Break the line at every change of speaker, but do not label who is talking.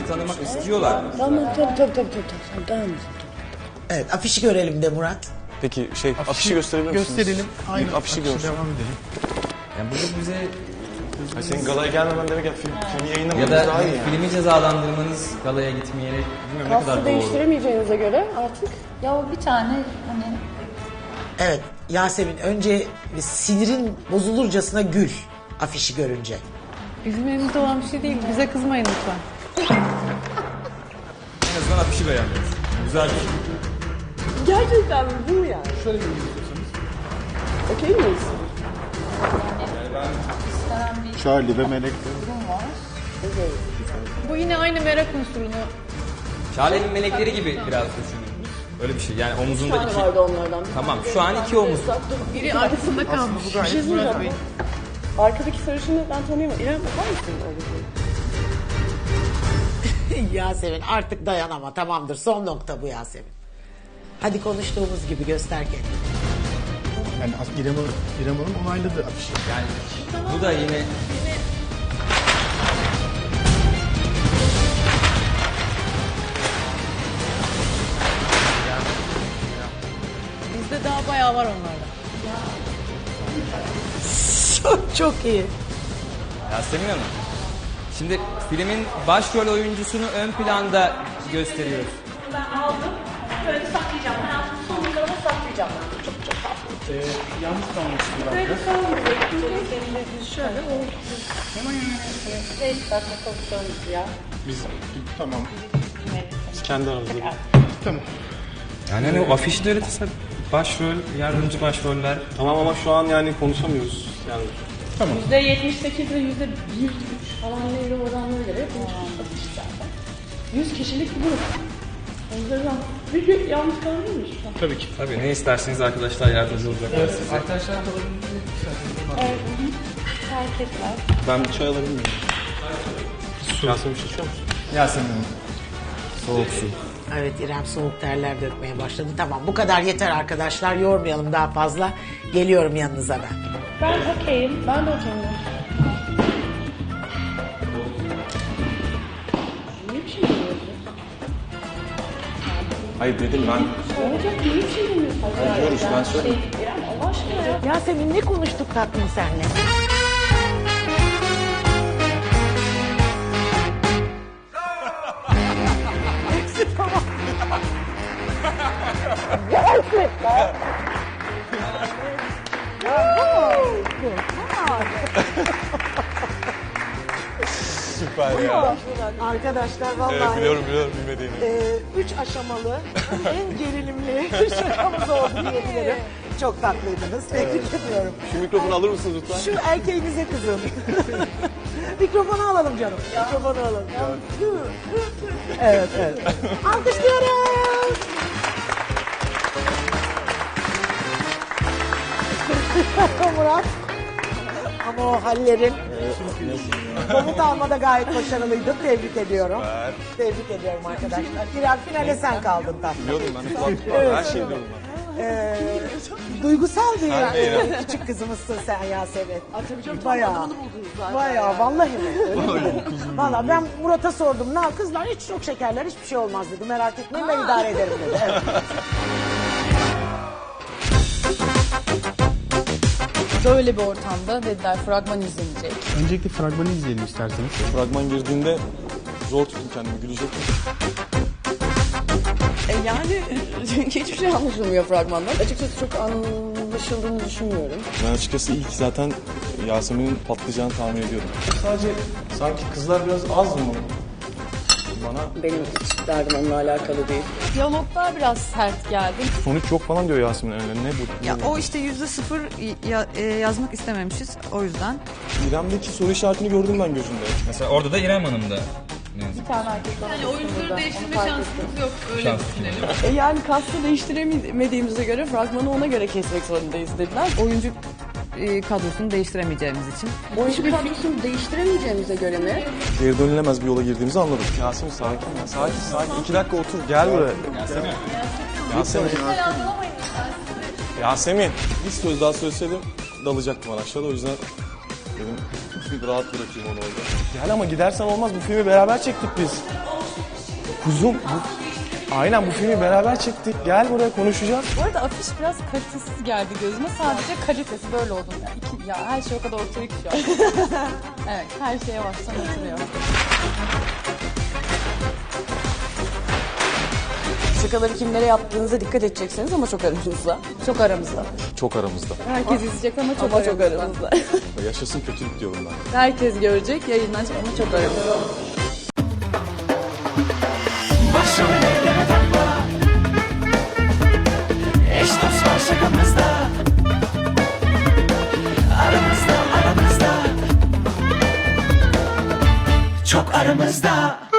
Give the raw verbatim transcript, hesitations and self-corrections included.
sizi tanımak istiyorlar.
Tamam tabii tabii tabii tabii. Tamam.
Evet, afişi görelim de Murat.
Peki şey afişi, afişi gösterebilir misiniz?
Gösterelim. Aynen.
Bir afişi görsün.
Devam edelim.
Yani burada bize
Hayır, senin galaya gelmemen demek ya film, filmi
ya
yayınlamamız
da
daha iyi yani.
filmi cezalandırmanız galaya gitmeyerek bilmiyorum ne kadar
Kastı
doğru.
değiştiremeyeceğinize göre artık.
Ya bir tane hani
Evet, Yasemin önce bir sinirin bozulurcasına gül afişi görünce.
Bizim elimizde olan bir şey değil. Bize kızmayın lütfen.
En azından afişi beğendiniz. Güzel bir şey.
Gerçekten mi? Bu mu yani?
Şöyle bir istiyorsanız.
Okey miyiz?
Charlie ve Melek.
Bu yine aynı merak unsurunu.
Şale'nin melekleri gibi biraz düşünün. Öyle bir şey. Yani
Bir
omuzunda
tane
iki...
vardı onlardan.
Tamam şu an iki omuz.
Biri arkasında kalmış.
Bu gayet
şey
Murat
söyleyeceğim.
Bey.
Arkadaki sarışını ben tanıyamam. İrem bakar mısın öyle?
Yasemin artık dayanama, tamamdır, son nokta bu Yasemin. Hadi konuştuğumuz gibi göster kendini.
Yani as- İrem Hanım, İrem Hanım onayladı afişi.
Yani bu da yine...
Bizde daha bayağı var onlarda.
Çok çok iyi.
Yasemin Hanım. Şimdi filmin başrol oyuncusunu ön planda gösteriyoruz.
Ben aldım. Böyle saklayacağım. Hayatımın sonuna kadar saklayacağım. Çok çok tatlı.
Ee, yalnız kalmıştı biraz.
Böyle kalmayacak. Çünkü şöyle o... Beş dakika konuşalım ya.
Biz tamam.
Biz kendi aramızda.
Tamam.
Yani hani o afişi de öğretirse başrol, yardımcı başroller.
Tamam ama şu an yani konuşamıyoruz. Yani
Yüzde yetmiş sekiz ve yüzde bir üç falan neydi oranlara göre konuşmuş zaten. Yüz kişilik bir grup. O yüzden bir gün yalnız kalabilir miyiz?
Tabii ki.
Tabii ne isterseniz arkadaşlar yardımcı olacaklar size.
Arkadaşlar kalabilir
Evet. Fark etmez.
ben bir çay alabilir miyim? Yasemin bir şey içiyor musun?
Yasemin Hanım.
Soğuk su.
Evet, İrem soğuk terler dökmeye başladı. Tamam, bu kadar yeter arkadaşlar, yormayalım daha fazla. Geliyorum yanınıza ben.
Ben okeyim. Ben de okeyim. Niye bir şey demiyorsun?
Hayır dedim ben.
Olacak niye bir şey demiyorsun?
Ben diyoruz ben söyleyeyim.
Şey, İrem Allah aşkına ya.
Yasemin ne konuştuk tatlım senle?
Süper ya.
Arkadaşlar vallahi
Evet, biliyorum biliyorum bilmediğini.
e, üç aşamalı en gerilimli şakamız oldu diyebilirim. Çok tatlıydınız. Tebrik ediyorum.
Şu mikrofonu alır mısınız lütfen?
Şu erkeğinize kızın. Mikrofonu alalım canım. Mikrofonu alalım. Evet, evet. Alkışlıyoruz. Murat. Ama o hallerin komut almada gayet başarılıydın. Tebrik ediyorum. Tebrik ediyorum arkadaşlar. İrem finale sen kaldın tatlım.
Biliyordum ben de kulaklık var. Her şeyi biliyorum ben.
Ee, duygusal bir yani. Küçük kızımızsın sen Yasemin. Bayağı. Bayağı vallahi mi? Öyle mi? Vallahi ben Murat'a sordum. Ne kızlar hiç çok şekerler hiçbir şey olmaz dedi. Merak etmeyin ben idare ederim dedi. Evet.
Böyle bir ortamda dediler fragman izlenecek.
Öncelikle fragmanı izleyelim isterseniz.
Fragman girdiğinde zor tuttum kendimi. Gülecektim.
E yani hiçbir şey anlaşılmıyor fragmandan. Açıkçası çok anlaşıldığını düşünmüyorum.
Ben açıkçası ilk zaten Yasemin'in patlayacağını tahmin ediyordum. Sadece sanki kızlar biraz az mı? Bana
Benim hiç derdim onunla alakalı değil.
Diyaloglar biraz sert geldi.
sonuç yok falan diyor Yasemin öyle. Ne bu?
Ya o işte yüzde sıfır ya- e, yazmak istememişiz o yüzden.
İrem'deki soru işaretini gördüm ben gözümde.
Mesela orada da İrem Hanım da.
Yani oyuncuları değiştirme şansımız yok. Öyle
Şans.
düşünelim.
E yani kastı değiştiremediğimize göre fragmanı ona göre kesmek zorundayız dediler.
Oyuncu e, kadrosunu değiştiremeyeceğimiz için.
Oyuncu kadrosunu değiştiremeyeceğimize göre mi?
Geri dönülemez bir yola girdiğimizi anladık. Yasemin sakin ya. Sakin sakin. İki dakika otur. Gel buraya. Yasemin. Yasemin. Yasemin. Bir söz daha söyleseydim dalacaktım aşağıda. O yüzden dedim rahat bırakayım onu orada. Gel ama gidersen olmaz. Bu filmi beraber çektik biz. Kuzum, bu, aynen bu filmi beraber çektik. Gel buraya konuşacağız.
Bu arada afiş biraz kalitesiz geldi gözüme. Sadece kalitesi böyle oldu. Yani iki, ya her şey o kadar ortaya ki şu an. Evet, her şeye baksan oturuyor.
Şakaları kimlere yaptığınıza dikkat edeceksiniz ama çok aramızda. Çok aramızda.
Çok aramızda.
Herkes izleyecek ama çok
Ama çok
aramızda.
aramızda.
Yaşasın kötülük diyorum ben.
Herkes görecek, yayınlanacak ama çok aramızda.
Başrollere takma. Eş dost var şakamızda. Aramızda aramızda. Çok aramızda.